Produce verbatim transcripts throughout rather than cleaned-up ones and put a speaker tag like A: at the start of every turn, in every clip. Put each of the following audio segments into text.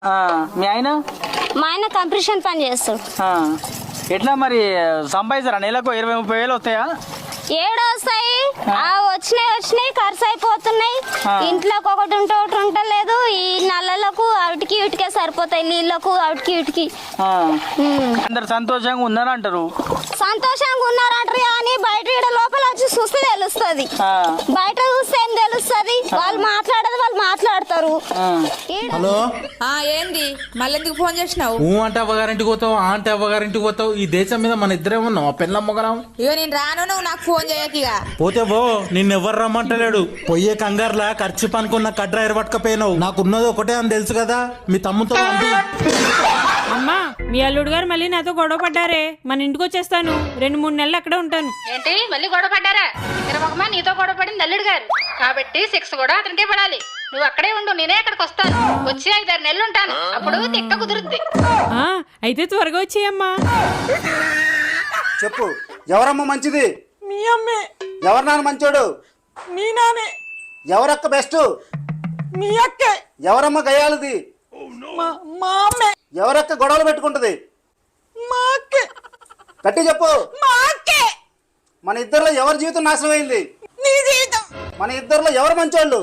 A: మీ ఆయన?
B: మా ఆయన కంప్రెషన్ పని చేస్తాడు.
A: ఎట్లా మరి సంపాదిస్తారా? నెలకు ఇరవై ముప్పై వేలు వస్తాయా?
B: ఏడు వస్తాయి, వచ్చినాయి వచ్చినాయి ఖర్చు అయిపోతున్నాయి. ఇంట్లోకి ఒకటి ఉంటే ఒకటి ఉంటలేదు. ఈ నల్లలకు అవిటికి ఇటుకే సరిపోతాయి, నీళ్ళకు అవిటికి ఇటుకి.
A: అందరు సంతోషంగా ఉన్నారంటారు.
B: సంతోషంగా ఉన్నారంటారు కానీ బయట ఈడ లోపల వచ్చి చూస్తే తెలుస్తుంది. బయట చూస్తే ఏం తెలుస్తుంది? వాళ్ళు మాట్లాడదు, వాళ్ళు మాట్లాడతారు.
C: హలో,
D: ఏంది మళ్ళీ ఎందుకు ఫోన్ చేసినావు?
C: ఊ అంటే అవ్వగారింటికి పోతావు, ఆ అంటే అవ్వగారింటికి పోతావు. ఈ దేశం మీద మన ఇద్దరే ఉన్నాం, ఆ పెళ్ళమ్మగలం.
D: ఇక నేను రాను, నువ్వు నాకు ఫోన్ చేయకిగా.
C: పోతే పో, నిన్నెవ్వరు రమ్మంటలేడు. పొయ్యే కంగారులా ఖర్చు పనుకున్న కడ్రా ఎరబట్టుకపోయినావు. నాకున్నది ఒకటే అని తెలుసు కదా, మీ తమ్ముతో పంపి.
E: అమ్మా, మీ అల్లుడు గారు మళ్ళీ నాతో గొడవ పడ్డారే. మన ఇంటికి వచ్చేస్తాను, రెండు మూడు నెలలు అక్కడే ఉంటాను.
F: ఏంటి మళ్ళీ గొడవ పడ్డారా? తిరమకమా నీతో గొడవ పడింది అల్లుడు గారు కాబట్టి శిక్ష కూడా అతనికే పడాలి. నువ్వు అక్కడే ఉండు, నేనే అక్కడికి వస్తాను. వచ్చి ఐదారు నెలలు ఉంటాను, అప్పుడు తిక్క కుదురుద్ది.
E: అయితే త్వరగా వచ్చేయమ్మా.
G: చెప్పు, ఎవరమ్మ మంచిది?
E: మీ అమ్మే.
G: ఎవరు నాన్న మంచోడు?
E: మీ నానే.
G: ఎవరక్క బెస్ట్?
E: మీ అక్కే.
G: ఎవరమ్మ గయాలది?
E: మా అమ్మే.
G: ఎవరక్క గొడవలు పెట్టుకుంటది?
E: మా అక్కే.
G: గట్టి చెప్పు.
E: మా అక్కే.
G: మన ఇద్దరిలో ఎవరి జీవితం నాశనం అయింది?
E: నీ జీవితం.
G: మన ఇద్దరిలో ఎవరు మంచోళ్ళు?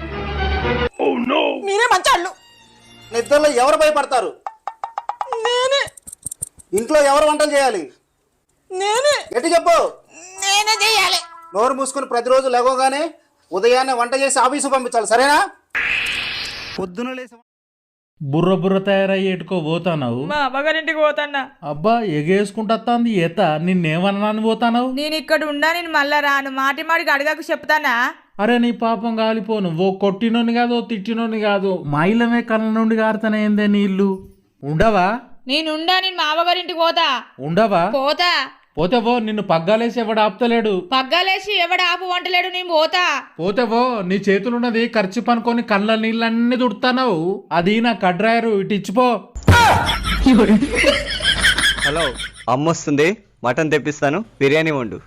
E: మీరే మంచోళ్ళు.
G: మన ఇద్దరిలో ఎవరు భయపడతారు?
E: నేనే.
G: ఇంట్లో ఎవరు వంటలు చేయాలి?
E: నేనే.
G: గట్టి చెప్పు.
E: నేనే చేయాలి.
G: నోరు మూసుకుని ప్రతిరోజు లేవగానే ఉదయాన్నే వంట చేసి ఆఫీసు పంపించాలి, సరేనా? పొద్దున లేసి
C: బుర్ర బుర్ర తయారయ్యి ఎటుకో పోతానావు?
D: మా అమ్మగారింటికి పోతాన్నా.
C: అబ్బా, ఎగేసుకుంటుంది ఏత. నిన్నేమన్నాను పోతానావు?
D: నేను ఇక్కడ ఉండా, నేను మళ్ళా రాను. మాటి మాటికి అడగకు చెప్తానా?
C: అరే నీ పాపం కాలిపోను. ఓ కొట్టినోని కాదు, ఓ తిట్టినోని కాదు, మైలమే కళ్ళ నుండి గారుతానేందే నీళ్ళు. ఉండవా?
D: నేను ఉండా, నేను మా అమ్మగారింటికి పోతా.
C: ఉండవా?
D: పోతా.
C: పోతే పో, నిన్ను పగ్గాలేసి ఎవడు ఆపుతలేడు.
D: పగ్గాలేసి ఎవడు ఆపు వంటలేడు, నేను పోతా.
C: పోతే పో, నీ చేతులున్నది ఖర్చు పనుకొని కళ్ళ నీళ్ళన్నీ తుడుతావు. అది నా కడ్రాయరు, ఇటు ఇచ్చిపో.
H: హలో, అమ్మొస్తుంది, మటన్ తెప్పిస్తాను, బిర్యానీ వండు.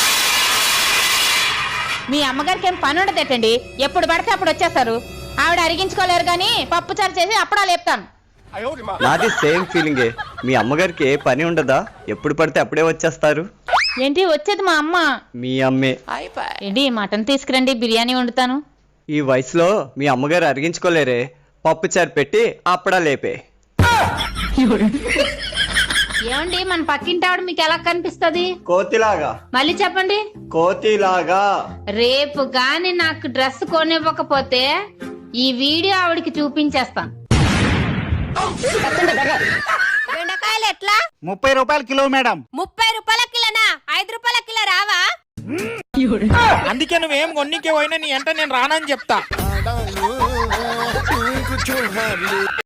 I: మీ అమ్మగారికి ఏం పని ఉండదేటండి, ఎప్పుడు పడితే అప్పుడు వచ్చేస్తారు. ఆవిడ అరిగించుకోలేరు కానీ పప్పు చారు చేసి అప్పుడా లేపుతాను.
H: నాది సేమ్ ఫీలింగే. మీ అమ్మగారికి ఏ పని ఉండదా? ఎప్పుడు పడితే అప్పుడే వచ్చేస్తారు.
I: ఏంటి వచ్చేది మా అమ్మ?
H: మీ అమ్మే.
I: ఏంటి మటన్ తీసుకురండి, బిర్యానీ వండుతాను.
H: ఈ వయసులో మీ అమ్మగారు అరిగించుకోలేరే, పప్పు చారు పెట్టి అప్పుడా లేపే.
I: ఏమండి, మన పక్కింటి ఆవిడ మీకు ఎలా కనిపిస్తుంది?
H: కోతిలాగా.
I: మళ్ళీ చెప్పండి.
H: కోతిలాగా.
I: రేపు గాని నాకు డ్రెస్ కొనివ్వకపోతే ఈ వీడియో ఆవిడకి చూపించేస్తాను.
B: బెండకాయలు ఎట్లా?
G: ముప్పై రూపాయల కిలో మేడం.
B: ముప్పై రూపాయల కిలోనా? ఐదు రూపాయల కిలో రావా?
A: అందుకే నువ్వేం కొన్నికే పోయినా నీ అంటే నేను రానని చెప్తా.